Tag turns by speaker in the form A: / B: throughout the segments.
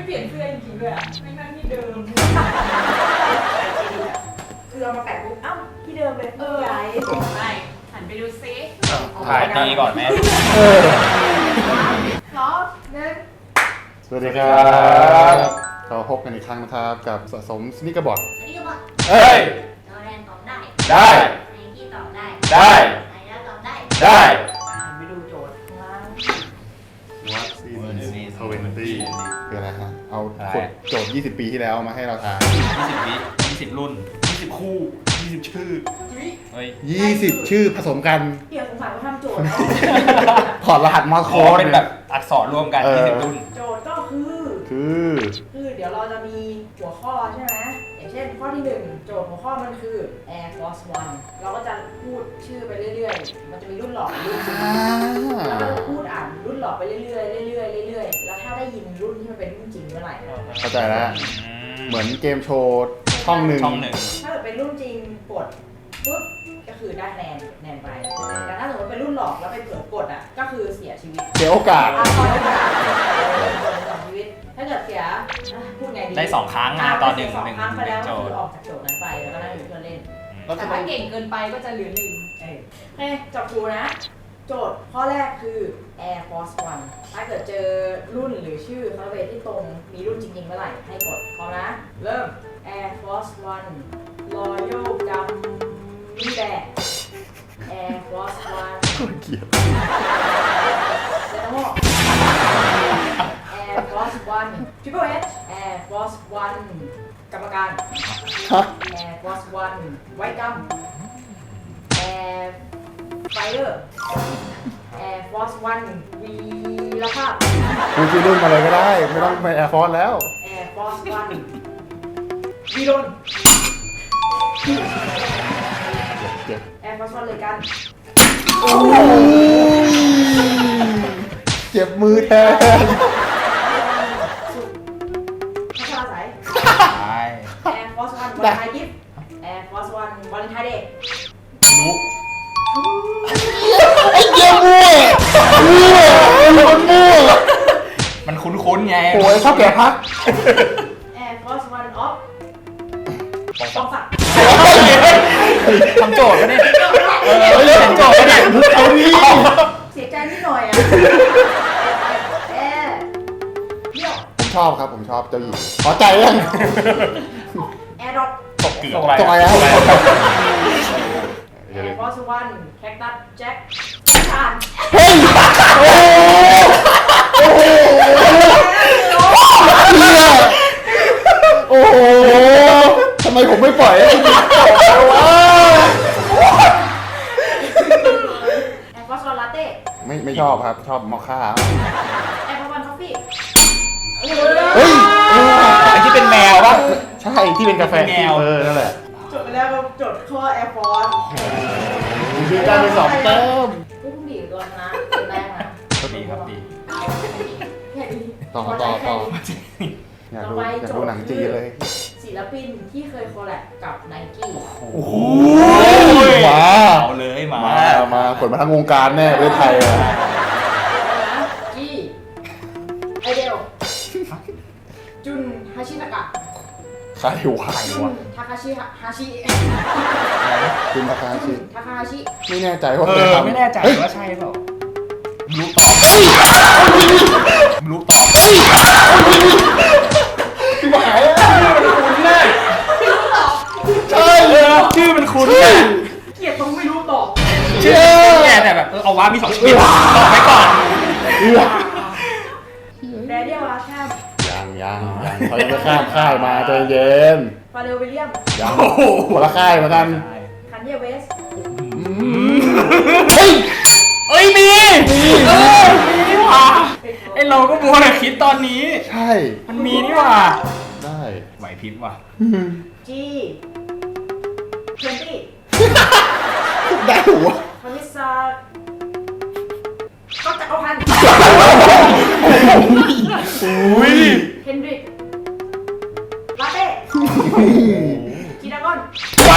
A: เปลี่ยนเสื้อจริงๆด้วยอ่ะไม่นั่งที่เดิมคือเอามาแปะปุ๊บเอ้าที่เดิมเลยย้ายไม่หันไปดูซิ
B: ถ่ายตีก่อนไหม
A: สองหนึ่ง
C: สวัสดีครับเราพบกันอีกครั้งนะครับกับสะสมสนิกเกอร์บอร์ด
B: เฮ้ย
D: โดเรนตอบได้
B: ได้
D: ไนกี้ตอบได้
B: ได้
D: ไนแล้วตอบได้
B: ได้
A: ไปดูโจทย์ข้างล่าง
C: วัคซีนทเวนตี้คืออะไรฮะเอาโจทย์20 ปีที่แล้วมาให้เราทาย
B: 20 วิ 20 รุ่น 20 คู่ 20 ชื่อเฮ้ย
C: 20 ชื่อผสมกัน
A: เดี๋ยวสงสัยว่าทำโจทย์
C: ถอดรหัสมาโค้ด
B: เป็นแบบอักษรรวมกัน 20 รุ่น
A: โจทย์ก็คือเดี๋ยวเราจะมีหัวข้อใช่ไหมอย่างเช่นข้อที่1โจทย์หัวข้อมันคือ Air Force One เราก็จะพูดชื่อไปเรื่อยๆมันจะมีรุ่นหลอกรุ่นจริงแล้วก็จะพูดอ่านรุ่นหลอกไปเรื่อยๆเรื่อยๆเรื่อยๆแล้วถ้าได้ยินรุ่นที่มันเป็นรุ่นจริงเมื่อไหร่
C: เข้าใจแล้วเหมือนเกมโชว์ช่องหนึ่ง
A: ถ้าเกิดเป็นรุ่นจริงกดปุ๊บก็คือได้แนนไปแต่ถ้าสมมติเป็นรุ่นหลอกแล้วไปเผลอกดอ่ะก็คือเสียชีวิต
C: เสียโอกาส
A: ชีวิตถ้าเกิดเสียพูดไงดี
B: ได้2 ครั้งนะตอนหนึ่ง
A: ครั้งไปแล้วก็คือออกจากโจทย์นั้นไปแล้วก็ได้อยู่เพื่อเล่นแต่ถ้าเก่งเกินไปก็จะเหลือ1โอเคจับครูนะโจทย์ข้อแรกคือ Air Force One ถ้าเกิดเจอรุ่นหรือชื่อคาร์เวที่ตรงมีรุ่นจริงๆเมื่อไหร่ให้กดพร้อมนะเริ่ม Air Force One Royal Gummy Bear Air Force One
C: เกลียด
A: เซนโม Air Force One Triple H Air Force One กรรมการ Air Force One ไวกัม Air Fire Air Force One วีรภาพ
C: พูดชื่อรุ่นมาเลยก็ได้ไม่ต้องไป Air Force แล้ว
A: Air Force One วีรน Air Force One เลยกัน
C: เจ็บมือแทน
A: สุดพัชราสาย Air Force One วันไทยกิฟต์ Air Force One วันไทยเดย์
B: นุ๊ก
C: ไอ้เจ้ามั่ว
B: มันคุ้นๆไง
C: โอ้ยเข้าแก่พัก
A: Air Force One Off ปองศักดิ์
B: ทำโจทย์กันดิทำโจทย์กันดิ
C: เอาดิ
A: เสียใจนิดหน่อยอ่ะเดี่ยว
C: ผมชอบครับผมชอบเจ้าหญิงขอใจยัง
A: แอร์ดรอป
B: ตกเกือบ
C: ตกไปแล้ว
A: แอร์ฟอร์สวันแคคตัสแจ็คชาน
C: เฮ้ยโอ้โหทำไมผมไม่ปล่อยให้คุณจบเลยวะ
A: แอร์ฟอร์สวันลาเต้
C: ไม่ชอบครับชอบมอคค่า
A: แอร์ฟอร์สวันคอฟฟี่
C: เฮ้ย
B: ไอ้ที่เป็นแมวป่ะ
C: ใช่ที่เป็นกาแฟ
B: แมว
C: นั่นแหละ
A: จดไปแล้วครับจดข้อแอร์ฟอร์ส
C: ดีการไป2 แต้ม
A: ผู้ดีตัวชนะได้ค่ะ
B: ดีครับดี
C: ต่ออยากดูหนังจีนเลย
A: ศิลปินที่เคยคอลแลบกับไนกี้
C: โอ้โห
B: มาเอาเลย
C: มาผลมาทั้งวงการแน่ประเทศไทย
A: นะกี้ไอเดลจุนฮาชิตะกะ
C: ใครวะ
A: จุนทาคาชิฮาชิ
C: คุณทาคาชิไม่แน่ใจว่า
B: ไม่แน่ใจว่าใช่เปล่ารู้ตอบ
C: ที่หมาย
B: คุ้นแน่
C: ใช่
B: เลยชื่อมันคุ้น
A: เกลียดตรงไม่รู้ตอบ
B: ชื่อแย่แต่แบบเอาว่ามี2 ชีวิตตอบไปก่อน
A: แดเนียลอาแคม
C: ยังเขายังไม่ข้ามค่ายมาใจเย็น
A: ฟาเรลวิลเลียม
C: ยังคนละค่ายเหมือนกัน
A: คันเยเวส
B: เฮ้ยมีว่ะไอเราก็มัวแต่คิดตอนนี้
C: ใช่
B: มันมีนี่ว่ะ
C: ได้
B: ไหวพริบว่ะ
A: จี20
C: ได้หัว
A: คามิซาก็จักรพันธ์เฮนดริกลาเต้จีดากอน
B: ไป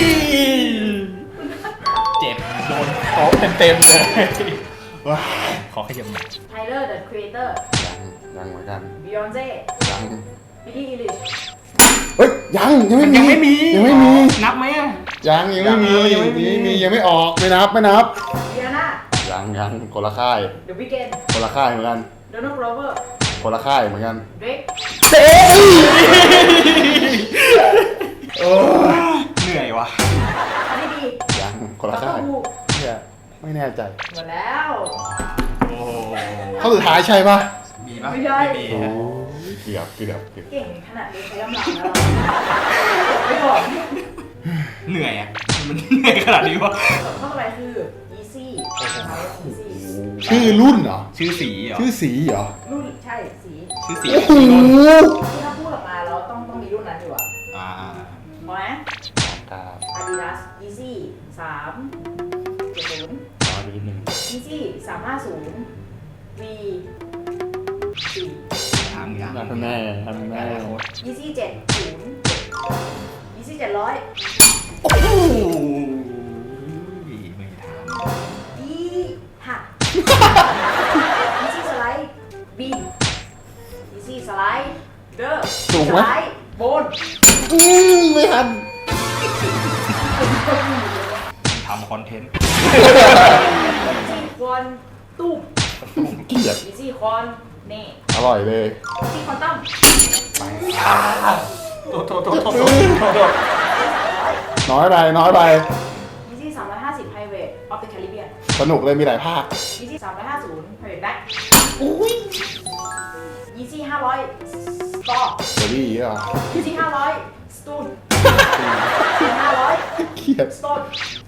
B: เจ็บโดนโต๊ะเต็มเลยขอขยับหน่อย
A: ไทเลอร์ The Creator
C: ยังเหมือนกัน
A: บิยอนเซ่
C: ยัง
A: บิลลี่อีลิช
C: เฮ้ยยังไม่มี
B: ยังไม่มี
C: ยังไม่มี
B: นับไหมอะ
C: ยังไม่มี
B: ยังไม่มี
C: ยังไม่ออกไม่นับ
A: เดียนา
C: ยังคนละค่าย
A: เดอะวิกเกน
C: คนละค่ายเหมือนกัน
A: โดนัลด์โรเวอร์
C: คนละค่ายเหมือนกัน
A: เดรก
C: เต้โอ้
B: เหนื่อยวะ
A: อันนี้ดี
C: ยังคนละ
A: แล้วก็
C: ค่าย
A: ฮู
C: เนี่ยไม่แน่ใจ
A: หมดแล้ว
B: โอ้
C: ข้อสุดท้ายใช่ปะ
B: มีปะ
A: ไม่ได้
B: มี
C: โอ้
B: ฮะ
C: ยเกือบ
A: เก่งขนาดนี้ใช้กำลังแล้วไม่บอก
B: เหนื่อยอ่ะมันเหนื่อยขนาดนี้วะ
A: ข้อต่อไปคือ easy easy
C: ชื่อรุ่นเหรอ
B: ชื่อสีเหรอ
C: ชื่อสีเหรอ
A: รุ่นใช่สี
B: ชื่อสี
C: โอ้โห
A: ที่ถ้าพูดออกมาแล้วต้องมีรุ่นนั้นอยู่อ่ะ
B: อ่า
A: พอไหม
C: ครับ
A: Adidas easy 370
C: รอดูนิดนึง
A: easy 350 V 4
B: ยัง
C: ทำแน่ทำแน่
A: easy 70 easy 700
B: โอ้โหไม่มีทาง
A: E หัก easy slide B easy slide เด้อ
C: ถูกไหม
A: สไลด์บน
C: ไม่ทัน
B: ทำคอนเทนต์
A: easy คอนตุ้ม
C: เกลียด
A: easy คอนเน่
C: อร่อยเลย
A: easy คอนตั้ม
B: โทษ
C: น้อยไป
A: easy 350 private of the Caribbean
C: สนุกเลยมีหลายภาค
A: easy 350 private back
C: อุ้ย
A: easy 500 store
C: เดี๋ยวดีอ่ะ
A: easy 500 stool 500
C: เกลียด
A: stone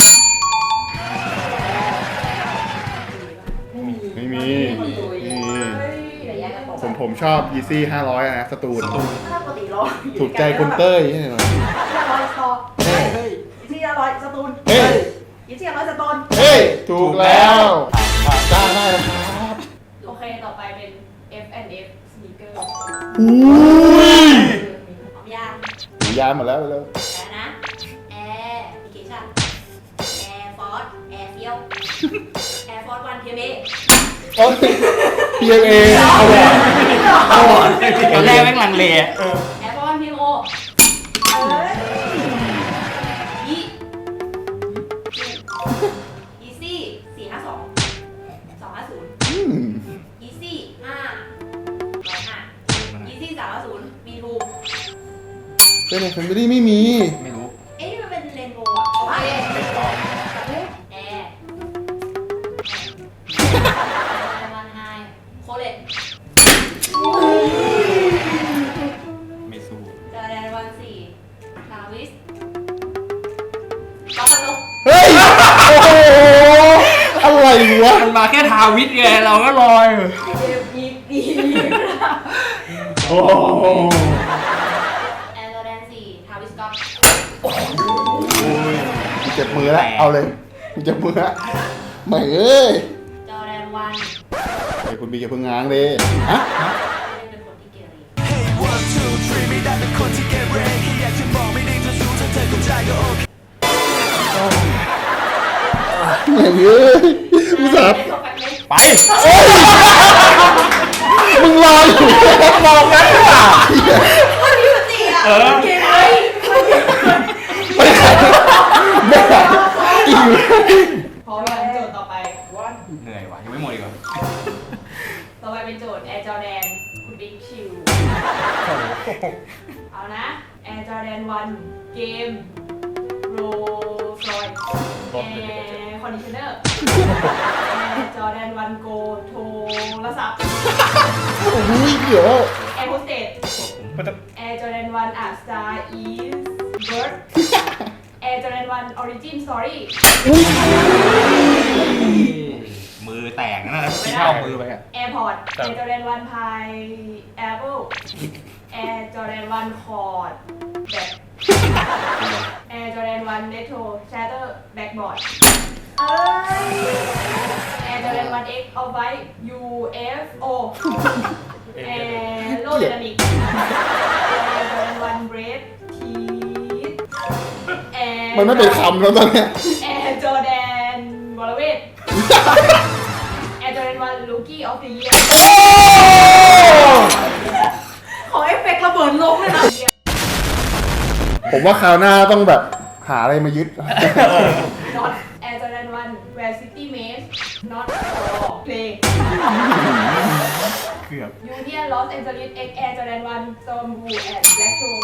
C: ไม่มี
A: คนตุย
C: ไม่มี
A: เฮ้ยเดี๋ยวแยกกันตก
C: ผมชอบ Yeezy 500นะสตูน
A: ถ้าปกติเรา
C: ถูกใจคุณเต้ยใช่ไหม
A: 500 store
C: เฮ้ย
A: easy 500 สตูน
C: เฮ้ย
A: easy 500 สตูน
C: เฮ้ย ถูกแล้วได้แล้วครับ
A: โอเค ต่อไปเป็น F&F sneaker
C: อุ้ย
D: พร้อมยัง
C: หูยานหมดแล้วเลย
D: แล้วนะ Air Application Air Force Air Feel Air Force One PMA
C: โอ้ย PMA เอาแหวนเอาแหวน
B: ตอนแรกแม่งลังเล
D: Air Force One PMO ยี Easy 452 250
C: อืม
D: Easy 5 Easy 350 B2
C: เป็นในแฟมิลี่ไม่มี
B: ไม่รู้
D: เอ๊ะนี่มันเป็นเรนโบว์อะโอเค
B: ไม่ต้อง
D: แอร์มันไฮโคเลต
B: ไม่สู้
D: จอแดนวันสี่ทาวิสก็พันลก
C: เฮ้ย โอ้โห อะไรวะ
B: มันมาแค่ทาวิทไงเราก็ลอย
A: เจ็บอีกดี
C: โอ้โห
D: แอร์จอแดนสี่ทาวิสก็อต
C: เจ็บมือแล้ว เอาเลยเจ็บมือแล้วไม่เอ้ย
D: จอแดนวัน
C: ไอ้คุณบีจะพึ่งง้างเลยฮะ
D: ไม่ได้เป็นคนที่เกเร
C: ไม่เอ้ยมึงสับ
A: ไม่ตกกันเลย
B: ไป
C: มึงรออยู่มองงั้นหรือเปล่า
A: คนนี้มันตีอ่ะ
B: เออ
A: เก่งไหม
C: ไม่ไหนไม่ไหนอีก
A: พอยังโจทย์ต่อไปวัน
B: เหนื่อยว่ะยังไม่หมดอีกเหรอ
A: ต่อไปเป็นโจทย์ Air Jordan คุณบิ๊กชิวเอานะ Air Jordan 1 เกมโรฟลอย Air Conditioner Air Jordan 1 Go โทรศัพท์
C: โอ้ยเดี๋ยว
A: Air Hostess Air Jordan 1 Art Star is Bird Air Jordan 1 Origin Story
B: มือแตกนะที่เข้ามือไปอ่ะ
A: Airport Air Jordan 1 Pineapple Air Jordan 1 Cord แบบ Air Jordan 1 Retro Shatter Backboard เอ้ย Air Jordan 1 X of White UFO Air Low Dynamic Air Jordan 1 Bread Teeth Air
C: มันไม่เป็นคำแล้วตอนเนี้ย
A: Air Jordan วรเวท Air Jordan 1 Rookie of the Year ของ F เฟกต์ระเบิดลงเลยนะ
C: ผมว่าคราวหน้าต้องแบบหาอะไรมายึด
A: Not Air Jordan 1 Where City Maze Not for Play
B: เกือบ
A: Union Los Angeles X Air Jordan 1 Storm Blue and Black Toe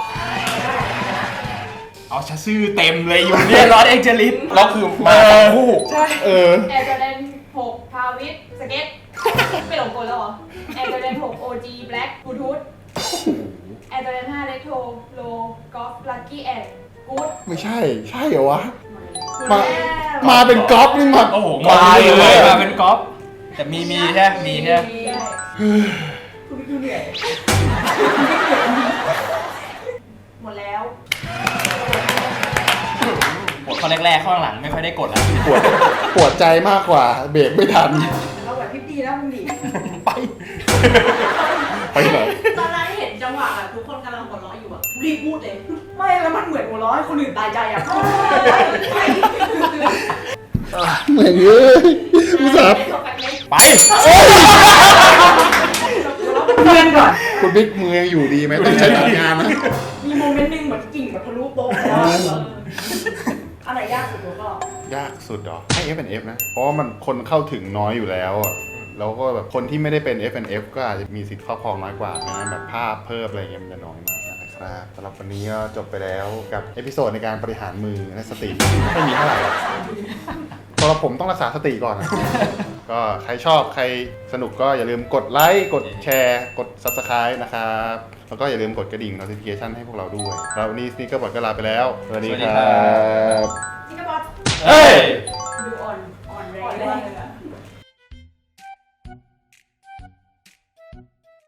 B: เอาชื่อเต็มเลยอยู่เนี่ยร้อนเอ็กเจลิสแล้วคือมาทั้งคู่ใช่
A: Air Jordan 6 Pavit Skate ไม่หลงกลแล้วเหรอ Air Jordan 6 OG Black Bluetooth Air Jordan 5 Retro Low Golf Lucky and Good
C: ไม่ใช่เหรอวะ มาเป็นก๊อฟนี่มา
B: โอ้โหมาเลยมาเป็นก๊อฟแต่มีใช่มีใช่
A: คุณดูเหนื่อยหมดแล้ว
B: กดข้อแรกๆข้อหลังไม่ค่อยได้กดแล้ว
C: ปวดใจมากกว่าเบรกไม่ทัน
A: เราแบบพิบดีนะมึงดิ
B: ไป
C: ไปไหน
D: ตอนนั้นเห็นจังหวะแบบทุกคนกำลังหัวเราะอยู่อะรีบพูดเลย
A: ไม่แล้วมันเหมือนหัวเร้อให้คนอื่นตายใจอ่ะ
C: เหมือนเอ้ยอุตส่าห์
B: ไป
A: เพื่อนก่อน
C: คุณบิ๊กมือยังอยู่ดีไหมต้องใช้หลักงานนะ
A: มีโมเมนต์หนึงเหมือนกิ่งแบบทะลุโป๊ะอะไรยากสุดก็
C: ยากสุดเหรอให้ F&F นะ เพราะว่ามันคนเข้าถึงน้อยอยู่แล้วอะแล้วก็แบบคนที่ไม่ได้เป็น F&F ก็อาจจะมีสิทธิ์ครอบครองน้อยกว่านะแบบภาพเพิ่มอะไรเงี้ยมันจะน้อยมากนะครับสำหรับวันนี้ก็จบไปแล้วกับเอพิโซดในการบริหารมือและสติไม่มีเท่าไหร่หรอกสำหรับผมต้องรักษาสติก่อนนะก็ใครชอบใครสนุกก็อย่าลืมกดไลค์กดแชร์กด Subscribe นะครับแล้วก็อย่าลืมกดกระดิ่ง notification ให้พวกเราด้วยแล้ววันนี้สนิกเกอร์บอทก็ลาไปแล้วสวัสดีครับ
A: นี่ก็บอส
B: เฮ้ย